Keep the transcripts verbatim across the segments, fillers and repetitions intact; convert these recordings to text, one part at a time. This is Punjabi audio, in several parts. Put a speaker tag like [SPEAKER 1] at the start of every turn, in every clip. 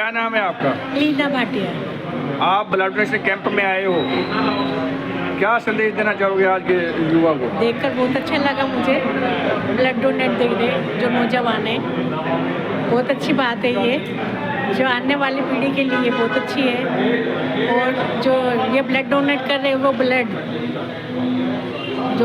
[SPEAKER 1] क्या नाम है आपका?
[SPEAKER 2] लीना भाटिया।
[SPEAKER 1] आप ब्लड डोनेशन कैंप में आए हो, क्या संदेश देना चाहोगे आज के युवा को?
[SPEAKER 2] देखकर बहुत अच्छा लगा मुझे, ब्लड डोनेट देख रहे जो नौजवान है, बहुत अच्छी बात है ये, जो आने वाली पीढ़ी के लिए बहुत अच्छी है। और जो ये ब्लड डोनेट कर रहे हैं वो ब्लड जो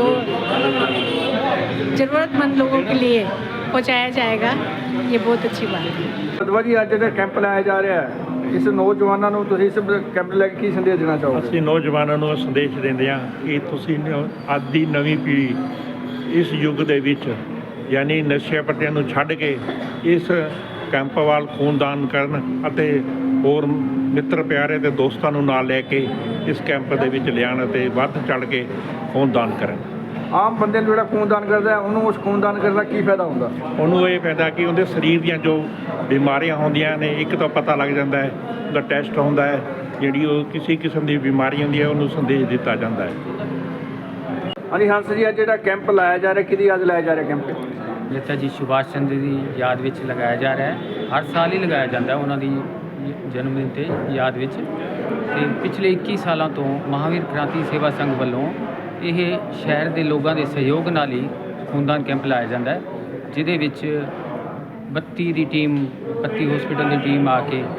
[SPEAKER 2] ज़रूरतमंद लोगों के लिए पहुंचाया जाएगा, ये बहुत अच्छी बात है।
[SPEAKER 1] ਸਦਵਾ ਜੀ ਅੱਜ ਜਿਹੜਾ ਕੈਂਪ ਲਾਇਆ ਜਾ ਰਿਹਾ ਹੈ, ਇਸ ਨੌਜਵਾਨਾਂ ਨੂੰ ਤੁਸੀਂ ਇਸ ਕੈਂਪ ਲੈ ਕੇ ਕੀ ਸੰਦੇਸ਼ ਦੇਣਾ ਚਾਹੋਗੇ?
[SPEAKER 3] ਅਸੀਂ ਨੌਜਵਾਨਾਂ ਨੂੰ ਸੰਦੇਸ਼ ਦਿੰਦੇ ਹਾਂ ਕਿ ਤੁਸੀਂ ਨ- ਅੱਜ ਦੀ ਨਵੀਂ ਪੀੜ੍ਹੀ ਇਸ ਯੁੱਗ ਦੇ ਵਿੱਚ ਯਾਨੀ ਨਸ਼ਿਆਂ ਪੱਤਿਆਂ ਨੂੰ ਛੱਡ ਕੇ ਇਸ ਕੈਂਪ ਵੱਲ ਖੂਨਦਾਨ ਕਰਨ ਅਤੇ ਹੋਰ ਮਿੱਤਰ ਪਿਆਰੇ ਅਤੇ ਦੋਸਤਾਂ ਨੂੰ ਨਾਲ ਲੈ ਕੇ ਇਸ ਕੈਂਪ ਦੇ ਵਿੱਚ ਲਿਆਉਣ ਅਤੇ ਵੱਧ ਚੜ੍ਹ ਕੇ ਖੂਨਦਾਨ ਕਰਨ।
[SPEAKER 1] ਆਮ ਬੰਦੇ ਨੂੰ ਜਿਹੜਾ ਖੂਨਦਾਨ ਕਰਦਾ ਹੈ, ਉਹਨੂੰ ਉਸ ਖੂਨਦਾਨ ਕਰਨ ਦਾ ਕੀ ਫਾਇਦਾ ਹੁੰਦਾ?
[SPEAKER 3] ਉਹਨੂੰ ਇਹ ਫਾਇਦਾ ਕਿ ਉਹਦੇ ਸਰੀਰ ਦੀਆਂ ਜੋ ਬਿਮਾਰੀਆਂ ਹੁੰਦੀਆਂ ਨੇ ਇੱਕ ਤਾਂ ਪਤਾ ਲੱਗ ਜਾਂਦਾ ਹੈ, ਉਹਦਾ ਟੈਸਟ ਹੁੰਦਾ ਹੈ, ਜਿਹੜੀ ਉਹ ਕਿਸੇ ਕਿਸਮ ਦੀ ਬਿਮਾਰੀ ਹੁੰਦੀ ਹੈ ਉਹਨੂੰ ਸੰਦੇਸ਼ ਦਿੱਤਾ ਜਾਂਦਾ ਹੈ।
[SPEAKER 1] ਹਾਂਜੀ ਹੰਸ ਜੀ, ਅੱਜ ਜਿਹੜਾ ਕੈਂਪ ਲਾਇਆ ਜਾ ਰਿਹਾ, ਕਿਹਦੀ ਯਾਦ ਲਾਇਆ ਜਾ ਰਿਹਾ ਕੈਂਪ?
[SPEAKER 4] ਨੇਤਾ ਜੀ ਸੁਭਾਸ਼ ਚੰਦਰ ਦੀ ਯਾਦ ਵਿੱਚ ਲਗਾਇਆ ਜਾ ਰਿਹਾ ਹੈ। ਹਰ ਸਾਲ ਹੀ ਲਗਾਇਆ ਜਾਂਦਾ ਹੈ ਉਹਨਾਂ ਦੀ ਜਨਮ ਦਿਨ 'ਤੇ ਯਾਦ ਵਿੱਚ। ਅਤੇ ਪਿਛਲੇ ਇੱਕੀ ਸਾਲਾਂ ਤੋਂ ਮਹਾਂਵੀਰ ਕ੍ਰਾਂਤੀ ਸੇਵਾ ਸੰਘ ਵੱਲੋਂ ਇਹ ਸ਼ਹਿਰ ਦੇ ਲੋਕਾਂ ਦੇ ਸਹਿਯੋਗ ਨਾਲ ਹੀ ਖੂਨਦਾਨ ਕੈਂਪ ਲਾਇਆ ਜਾਂਦਾ ਹੈ, ਜਿਹਦੇ ਵਿੱਚ ਬੱਤੀ ਦੀ ਟੀਮ ਬੱਤੀ ਹਸਪੀਟਲ ਦੀ ਟੀਮ ਆ ਕੇ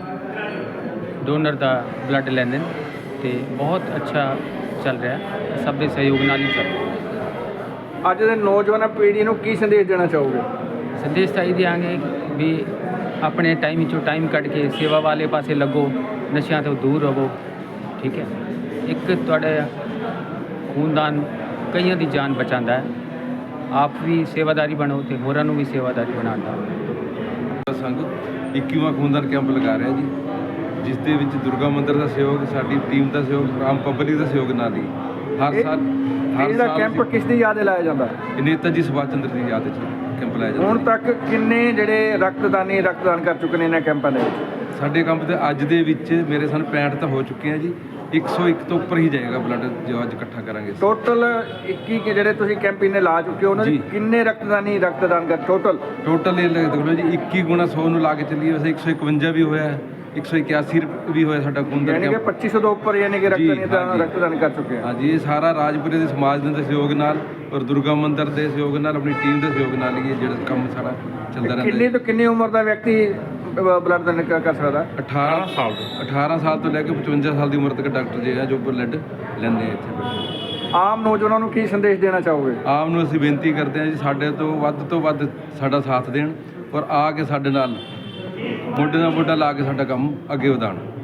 [SPEAKER 4] ਡੋਨਰ ਦਾ ਬਲੱਡ ਲੈਂਦੇ ਨੇ ਅਤੇ ਬਹੁਤ ਅੱਛਾ ਚੱਲ ਰਿਹਾ, ਸਭ ਦੇ ਸਹਿਯੋਗ ਨਾਲ ਹੀ ਚੱਲ ਰਿਹਾ।
[SPEAKER 1] ਅੱਜ ਦੇ ਨੌਜਵਾਨ ਪੀੜ੍ਹੀ ਨੂੰ ਕੀ ਸੰਦੇਸ਼ ਦੇਣਾ ਚਾਹੋਗੇ?
[SPEAKER 4] ਸੰਦੇਸ਼ ਤਾਂ ਇਹ ਦਿਆਂਗੇ ਵੀ ਆਪਣੇ ਟਾਈਮ ਵਿੱਚੋਂ ਟਾਈਮ ਕੱਢ ਕੇ ਸੇਵਾ ਵਾਲੇ ਪਾਸੇ ਲੱਗੋ, ਨਸ਼ਿਆਂ ਤੋਂ ਦੂਰ ਰਹੋ। ਠੀਕ ਹੈ, ਇੱਕ ਤੁਹਾਡਾ ਖੂਨਦਾਨ ਕਈਆਂ ਦੀ ਜਾਨ ਬਚਾਉਂਦਾ ਹੈ। ਆਪ ਵੀ ਸੇਵਾਦਾਰੀ ਬਣੋ ਅਤੇ ਹੋਰਾਂ ਨੂੰ ਵੀ ਸੇਵਾਦਾਰੀ ਬਣਾਉਣ ਦਾ।
[SPEAKER 5] ਸੰਘ ਇੱਕੀਵਾਂ ਖੂਨਦਾਨ ਕੈਂਪ ਲਗਾ ਰਿਹਾ ਜੀ, ਜਿਸ ਦੇ ਵਿੱਚ ਦੁਰਗਾ ਮੰਦਿਰ ਦਾ ਸਹਿਯੋਗ, ਸਾਡੀ ਟੀਮ ਦਾ ਸਹਿਯੋਗ, ਆਮ ਪਬਲਿਕ ਦਾ ਸਹਿਯੋਗ ਨਾਲ ਹੀ ਹਰ
[SPEAKER 1] ਇਹ-
[SPEAKER 5] ਸਾਲ ਹਰ
[SPEAKER 1] ਇਹਦਾ
[SPEAKER 5] ਸਾਲ
[SPEAKER 1] ਕੈਂਪ ਕਿਸ ਦੀ ਯਾਦ 'ਚ ਲਾਇਆ ਜਾਂਦਾ?
[SPEAKER 5] ਇਹ ਨੇਤਾ ਜੀ ਸੁਭਾਸ਼ ਚੰਦਰ ਦੀ ਯਾਦ 'ਚ ਕੈਂਪ ਲਾਇਆ ਜਾਂਦਾ।
[SPEAKER 1] ਹੁਣ ਤੱਕ ਕਿੰਨੇ ਜਿਹੜੇ ਰਕਤਦਾਨੀ ਰਕਤਦਾਨ ਕਰ ਚੁੱਕੇ ਨੇ ਇਹਨਾਂ ਕੈਂਪਾਂ ਦੇ ਵਿੱਚ?
[SPEAKER 5] ਸਾਡੇ ਕੈਂਪ ਦੇ ਅੱਜ ਦੇ ਵਿੱਚ ਮੇਰੇ ਸਾਨੂੰ ਪੈਂਹਠ ਤਾਂ ਹੋ ਚੁੱਕੇ ਆ ਜੀ, ਇੱਕ ਸੌ ਇੱਕ ਤੋਂ ਉੱਪਰ ਹੀ ਜਾਏਗਾ ਬਲੱਡ ਜੋ ਅੱਜ ਇਕੱਠਾ ਕਰਾਂਗੇ।
[SPEAKER 1] ਟੋਟਲ ਇੱਕੀ ਕੇ ਜਿਹੜੇ ਤੁਸੀਂ ਕੈਂਪ ਇਹਨੇ ਲਾ ਚੁੱਕੇ ਹੋ, ਉਹਨਾਂ ਦੇ
[SPEAKER 5] ਜੀ।
[SPEAKER 1] ਕਿੰਨੇ ਰਕਤਦਾਨੀ ਰਕਤਦਾਨ ਕਰ ਟੋਟਲ?
[SPEAKER 5] ਟੋਟਲ ਇਹ ਦੇਖ ਲਓ ਜੀ, ਇੱਕੀ ਗੁਣਾ ਸੌ ਨੂੰ ਲਾ ਕੇ ਚੱਲੀਏ, ਵੈਸੇ ਇੱਕ ਸੌ ਇਕਵੰਜਾ ਵੀ ਹੋਇਆ, ਇੱਕ ਸੌ ਇਕਿਆਸੀ ਵੀ ਹੋਇਆ ਸਾਡਾ ਖੂਨਦਾਨ
[SPEAKER 1] ਯਾਨੀ ਕਿ
[SPEAKER 5] ਕੈਂਪ।
[SPEAKER 1] ਪੱਚੀ ਸੌ ਤੋਂ ਉੱਪਰ ਯਾਨੀ ਕਿ
[SPEAKER 5] ਜੀ,
[SPEAKER 1] ਰਕਤਦਾਨੀ
[SPEAKER 5] ਹਾਂਜੀ।
[SPEAKER 1] ਰਕਤਦਾਨ ਕਰ ਚੁੱਕੇ ਆ।
[SPEAKER 5] ਹਾਂਜੀ, ਇਹ ਸਾਰਾ ਰਾਜਪੁਰੇ ਦੇ ਸਮਾਜ ਦੇ ਸਹਿਯੋਗ ਨਾਲ ਔਰ ਦੁਰਗਾ ਮੰਦਿਰ ਦੇ ਸਹਿਯੋਗ ਨਾਲ, ਆਪਣੀ ਟੀਮ ਦੇ ਸਹਿਯੋਗ ਨਾਲ ਹੀ ਇਹ ਜਿਹੜਾ ਕੰਮ ਸਾਰਾ ਚੱਲਦਾ ਰਹਿੰਦਾ
[SPEAKER 1] ਕਿੰਨੀ
[SPEAKER 5] ਹੈ।
[SPEAKER 1] ਤੋਂ ਕਿੰਨੀ ਉਮਰ ਦਾ ਵਿਅਕਤੀ ਬਲੱਡ ਦਾਨ ਕਰ ਕਰ ਸਕਦਾ?
[SPEAKER 5] ਅਠਾਰਾਂ
[SPEAKER 3] ਸਾਲ ਤੋਂ
[SPEAKER 5] ਅਠਾਰਾਂ ਸਾਲ ਤੋਂ ਲੈ ਕੇ ਪਚਵੰਜਾ ਸਾਲ ਦੀ ਉਮਰ ਤੱਕ ਡਾਕਟਰ ਜੇ ਆ ਜੋ ਬਲੱਡ ਲੈਂਦੇ ਆ ਇੱਥੇ ਬੈਠੇ।
[SPEAKER 1] ਆਮ ਨੌਜਵਾਨਾਂ ਨੂੰ ਕੀ ਸੰਦੇਸ਼ ਦੇਣਾ ਚਾਹੋਗੇ?
[SPEAKER 5] ਆਮ ਨੂੰ ਅਸੀਂ ਬੇਨਤੀ ਕਰਦੇ ਹਾਂ ਜੀ, ਸਾਡੇ ਤੋਂ ਵੱਧ ਤੋਂ ਵੱਧ ਸਾਡਾ ਸਾਥ ਦੇਣ ਔਰ ਆ ਕੇ ਸਾਡੇ ਨਾਲ ਮੋਢੇ ਨਾਲ ਮੋਢਾ ਲਾ ਕੇ ਸਾਡਾ ਕੰਮ ਅੱਗੇ ਵਧਾਉਣ।